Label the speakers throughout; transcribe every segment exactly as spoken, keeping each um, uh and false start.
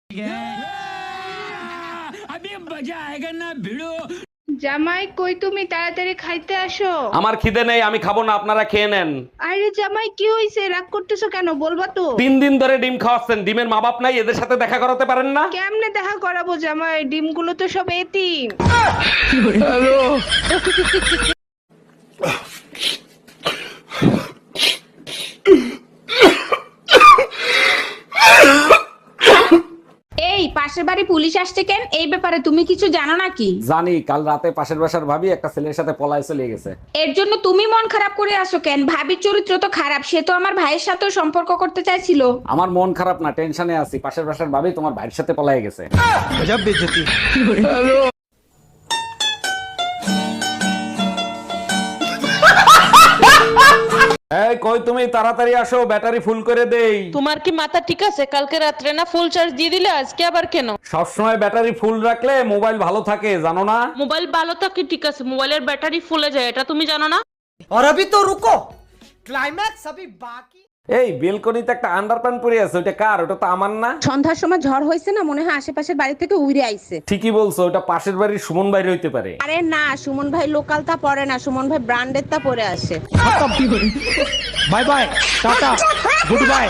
Speaker 1: अभी मजा आएगा ना भिड़ो।
Speaker 2: জামাই কই তুমি তাড়াতাড়ি খাইতে আসো।
Speaker 3: আমার খিদে নেই, আমি খাবো না, আপনারা খেয়ে নেন।
Speaker 2: আরে জামাই কি হইছে, রাগ করতেছো কেন বলবা তো।
Speaker 3: তিন দিন ধরে ডিম খাওয়াচ্ছেন, ডিমের মা বাপ নাই, এদের সাথে দেখা করাতে পারেন না?
Speaker 2: কেমনে দেখা করাবো জামাই, ডিমগুলো তো সব এতিম। এই পাশের বাড়ি পুলিশ আসছে কেন, এই ব্যাপারে তুমি কিছু জানো নাকি?
Speaker 3: জানি, কাল রাতে পাশের বাসার ভাবি একটা ছেলের সাথে পলায় চলে গেছে।
Speaker 2: এর জন্য তুমি মন খারাপ করে আসো কেন? ভাবির চরিত্র তো খারাপ, সে তো আমার ভাইয়ের সাথেও সম্পর্ক করতে চাইছিল।
Speaker 3: আমার মন খারাপ না, টেনশনে আছি। পাশের বাসার ভাবি তোমার ভাইয়ের সাথে পলায় গেছে।
Speaker 4: গজব বেইজ্জতি।
Speaker 3: এই কই তুমি, তাড়াতাড়ি আসো, ব্যাটারি ফুল করে দেই।
Speaker 5: তোমার কি মাথা ঠিক আছে? কালকে রাত্রে না ফুল চার্জ দিয়ে দিলে, আজকে আবার কেন?
Speaker 3: সবসময় ব্যাটারি ফুল রাখলে মোবাইল ভালো থাকে, জানো না?
Speaker 5: মোবাইল ভালো থাকে ঠিক আছে, মোবাইলের ব্যাটারি ফুলে যায়, এটা তুমি জানো না?
Speaker 4: और अभी तो रुको, क्लाइमैक्स अभी बाकी।
Speaker 3: এই বেলকনিতে একটা আন্ডারপ্যান্ট পরে আছে, ওটা কার? ওটা তো আমার না।
Speaker 2: সন্ধ্যার সময় ঝড় হয়েছে না, মনে হয় আশেপাশের বাড়ি থেকে উড়ে আইছে।
Speaker 3: ঠিকই বলছো, ওটা পাশের বাড়ির সুমন বাইরে হইতে পারে।
Speaker 2: আরে না, সুমন ভাই লোকাল তা পরে না, সুমন ভাই ব্র্যান্ডের তা পরে আসে।
Speaker 4: Bye bye, tata, good bye.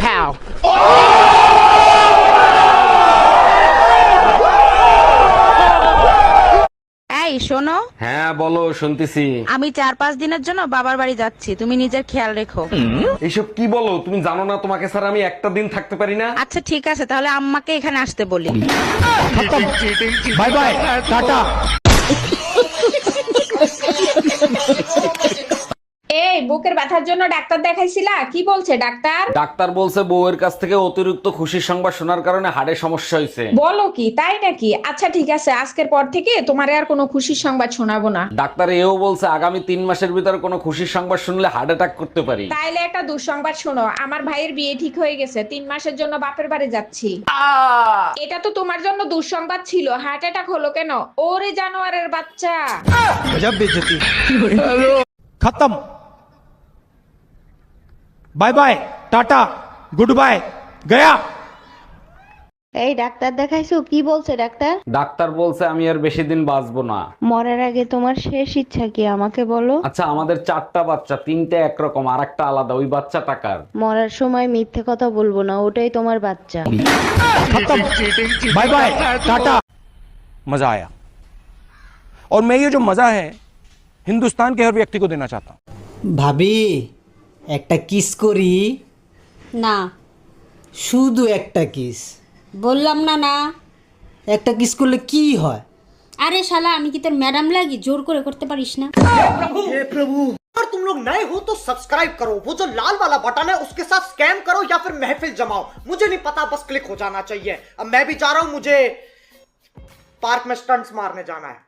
Speaker 2: এই শোনো,
Speaker 3: হ্যাঁ বলো, শুনতেছি।
Speaker 2: আমি চার পাঁচ দিনের জন্য বাবার বাড়ি যাচ্ছি, তুমি নিজের খেয়াল রেখো।
Speaker 3: এইসব কি বলো তুমি? জানো না তোমাকে স্যার আমি একটা দিন থাকতে পারি না?
Speaker 2: আচ্ছা ঠিক আছে, তাহলে আম্মাকে এখানে আসতে বলি।
Speaker 4: Bye bye, tata.
Speaker 2: এই বুকের ব্যথার জন্য ডাক্তার দেখাইছিলা, কি বলছে ডাক্তার?
Speaker 3: ডাক্তার বলছে বউয়ের কাছ থেকে অতিরিক্ত খুশির সংবাদ শোনার কারণে হাড়ে সমস্যা হয়েছে।
Speaker 2: বলো কি, তাই নাকি? আচ্ছা ঠিক আছে, আজকের পর থেকে তোমারে আর কোনো খুশির সংবাদ শোনাবো না।
Speaker 3: ডাক্তার এও বলছে আগামী তিন মাসের ভিতরে কোনো খুশির সংবাদ শুনলে হার্ট অ্যাটাক করতে পারি।
Speaker 2: তাইলে একটা দুঃসংবাদ শোনো, আমার ভাইয়ের বিয়ে ঠিক হয়ে গেছে, তিন মাসের জন্য বাপের বাড়ি যাচ্ছি। এটা তো তোমার জন্য দুঃসংবাদ ছিল, হার্ট অ্যাটাক হলো কেন? ওরে জানোয়ারের বাচ্চা।
Speaker 4: गजब बेइज्जती। खत्म। Bye bye, tata, good bye, गया।
Speaker 6: এই ডাক্তার দেখাইছো, কি বলছে ডাক্তার?
Speaker 3: ডাক্তার বলছে আমি আর বেশি দিন বাঁচবো না।
Speaker 6: মরার আগে তোমার শেষ ইচ্ছা কি আমাকে বলো?
Speaker 3: আচ্ছা আমাদের চারটা বাচ্চা, তিনটে একরকম আর একটা আলাদা, ওই বাচ্চা টাকার।
Speaker 6: মরার সময় মিথ্যে কথা বলবো না, ওটাই তোমার বাচ্চা।
Speaker 4: Bye bye, tata. मजा आया, और मैं ये जो मजा है हिंदुस्तान के हर व्यक्ति को देना चाहता हूँ।
Speaker 7: ভাবি একটা কিস করি?
Speaker 8: না,
Speaker 7: শুধু একটা কিস।
Speaker 8: বললাম না না।
Speaker 7: একটা কিস করলে কি হয়?
Speaker 8: আরে শালা, আমি কি তোর ম্যাডাম লাগি? জোর করে করতে পারিস না?
Speaker 9: अगर तुम लोग नए हो तो सब्सक्राइब करो, वो जो लाल वाला बटन है उसके साथ स्कैम करो या फिर महफिल जमाओ, मुझे नहीं पता, बस क्लिक हो जाना चाहिए। अब मैं भी जा रहा हूं, मुझे पार्क में स्टंट्स मारने जाना है।